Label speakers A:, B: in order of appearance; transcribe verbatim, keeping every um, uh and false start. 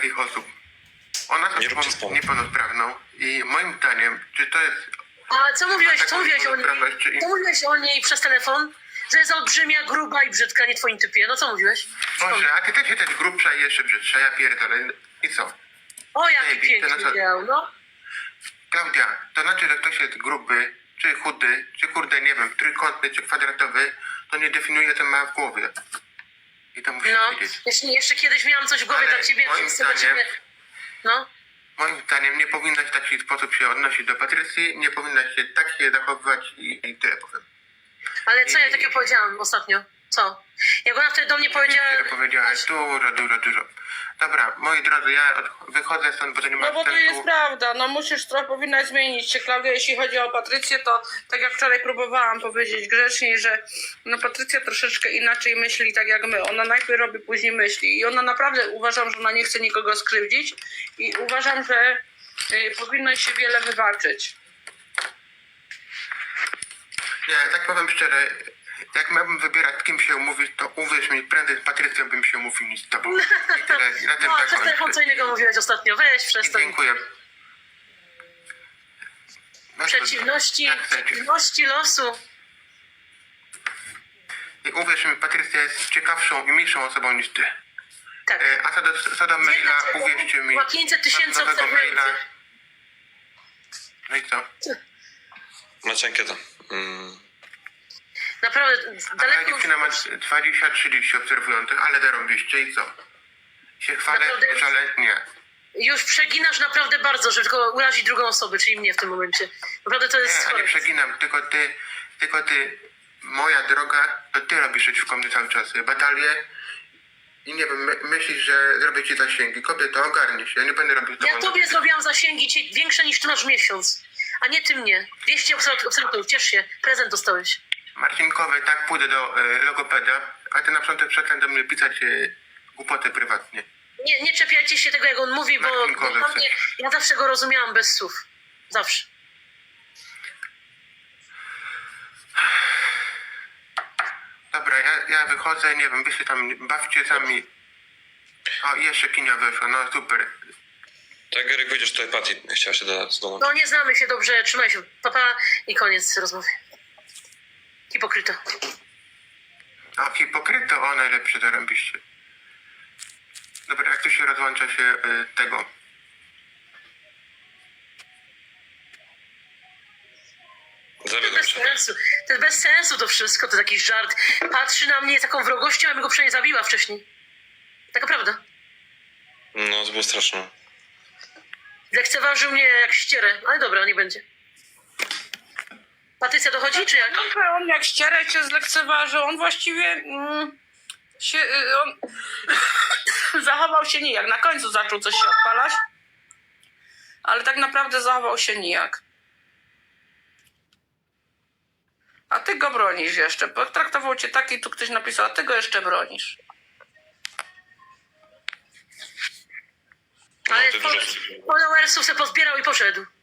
A: takich osób. Ona
B: Nie
A: jest
B: róbcie
A: osobą
B: spamy.
A: niepełnosprawną i moim zdaniem, czy to jest...
C: A co mówiłeś,
A: taką
C: co mówiłeś o niej?
A: niepełnosprawność, czy-
C: Co mówiłeś o niej przez telefon? Że jest olbrzymia, gruba i brzydka, nie twoim typie. No co mówiłeś?
A: Boże, a ty też jesteś grubsza i jeszcze brzydsza, ja pierdolę. I co?
C: O, jaki
A: Ej, to
C: piękny
A: na co-
C: biał, no.
A: Klaudia, to znaczy, że ktoś jest gruby, czy chudy, czy kurde, nie wiem, trójkątny, czy kwadratowy, to nie definiuje, co ma w głowie. I to musisz
C: No,
A: wiedzieć.
C: jeszcze, jeszcze kiedyś miałam coś w głowie
A: Ale
C: dla ciebie,
A: moim
C: wszyscy dla
A: zdaniem-
C: ciebie. No,
A: Moim zdaniem nie powinnaś w taki sposób się odnosić do Patrycji, nie powinnaś się tak się zachowywać i, i tyle powiem.
C: ale co ja takiego powiedziałam ostatnio? Co? Jak ona wtedy do mnie powiedziała...
A: Tyle powiedziałeś, dużo, dużo, dużo. Dobra, moi drodzy, ja od, wychodzę stąd, bo to nie ma
D: No bo to
A: sensu.
D: jest prawda, no musisz trochę, powinnaś zmienić się, Klaudia, jeśli chodzi o Patrycję, to tak jak wczoraj próbowałam powiedzieć grzecznie, że no Patrycja troszeczkę inaczej myśli tak jak my, ona najpierw robi, później myśli i ona naprawdę, uważam, że ona nie chce nikogo skrzywdzić i uważam, że y, powinno się wiele wybaczyć.
A: Nie, tak powiem szczerze, jak miałbym wybierać, z kim się umówić, to uwierz mi, prędzej z Patrycją bym się umówił niż z tobą. I tyle, i na tym
C: No, przez telefon
A: zakończę.
C: co innego mówiłeś ostatnio. Weź
A: I
C: przestań.
A: dziękuję. No to-
C: Przeciwności,
A: jak chcecie.
C: przeciwności losu.
A: I uwierz mi, Patrycja jest ciekawszą i milszą osobą niż ty.
C: Tak.
A: E, A co do, co do maila, uwierzcie mi,
C: Ma pięćset tysięcy
A: mam nowego maila.
C: obserwacji.
A: No i co?
B: Macie ankietę. Mm.
C: Naprawdę,
A: Ale
C: daleko...
A: dziewczyna ma dwadzieścia trzydzieści obserwujących, ale zarobiście i co? Się chwalę,
C: Naprawdę-
A: żale nie.
C: Już przeginasz naprawdę bardzo, żeby tylko urazić drugą osobę, czyli mnie w tym momencie. Naprawdę to jest
A: Nie, a
C: chore.
A: nie przeginam, tylko ty, tylko ty, moja droga, to ty robisz przeciwko mnie cały czas batalie i nie wiem, my, myślisz, że zrobię ci zasięgi. Kobieto, ogarnij się, ja nie będę robił z
C: Ja
A: tobą-
C: tobie zrobiłam zasięgi ci- większe niż ty masz w miesiąc, a nie ty mnie. dwieście obserwatorów, ciesz się, prezent dostałeś.
A: Marcinkowy, tak pójdę do e, logopeda, a ty na początek przestań do mnie pisać e, głupoty prywatnie.
C: Nie, nie czepiajcie się tego, jak on mówi, bo,
A: Martin
C: bo
A: Kozak
C: dla mnie, ja zawsze go rozumiałam bez słów. Zawsze.
A: Dobra, ja, ja wychodzę, nie wiem, wy się tam bawcie sami. O, i jeszcze kinia weszła, no super.
B: Tak, Eryk, wyjdziesz tutaj, Patty chciała się dodać z domu.
C: No nie znamy się dobrze, trzymaj się. Papa i koniec rozmowy. Hipokryto.
A: A hipokryto, o najlepszy, zarąbiście. Dobra, jak tu się rozłącza się y, tego.
C: To
B: Zawiodłem
C: bez
B: się.
C: sensu. To jest bez sensu to wszystko, to jakiś żart. Patrzy na mnie z taką wrogością, a bym go przynajmniej zabiła wcześniej. Taka prawda.
B: No, to było straszne.
C: Lekceważył mnie jak ścierę, ale dobra, nie będzie. Patrycja dochodzi, czy jak?
D: No, on jak ścierę cię zlekceważył, on właściwie mm, się, y, on zachował się nijak. Na końcu zaczął coś się odpalać, ale tak naprawdę zachował się nijak. A ty go bronisz jeszcze. Potraktował cię tak i tu ktoś napisał, a ty go jeszcze bronisz.
B: No,
C: Ale
B: ty
C: fol-
B: dużo...
C: followersów se pozbierał i poszedł.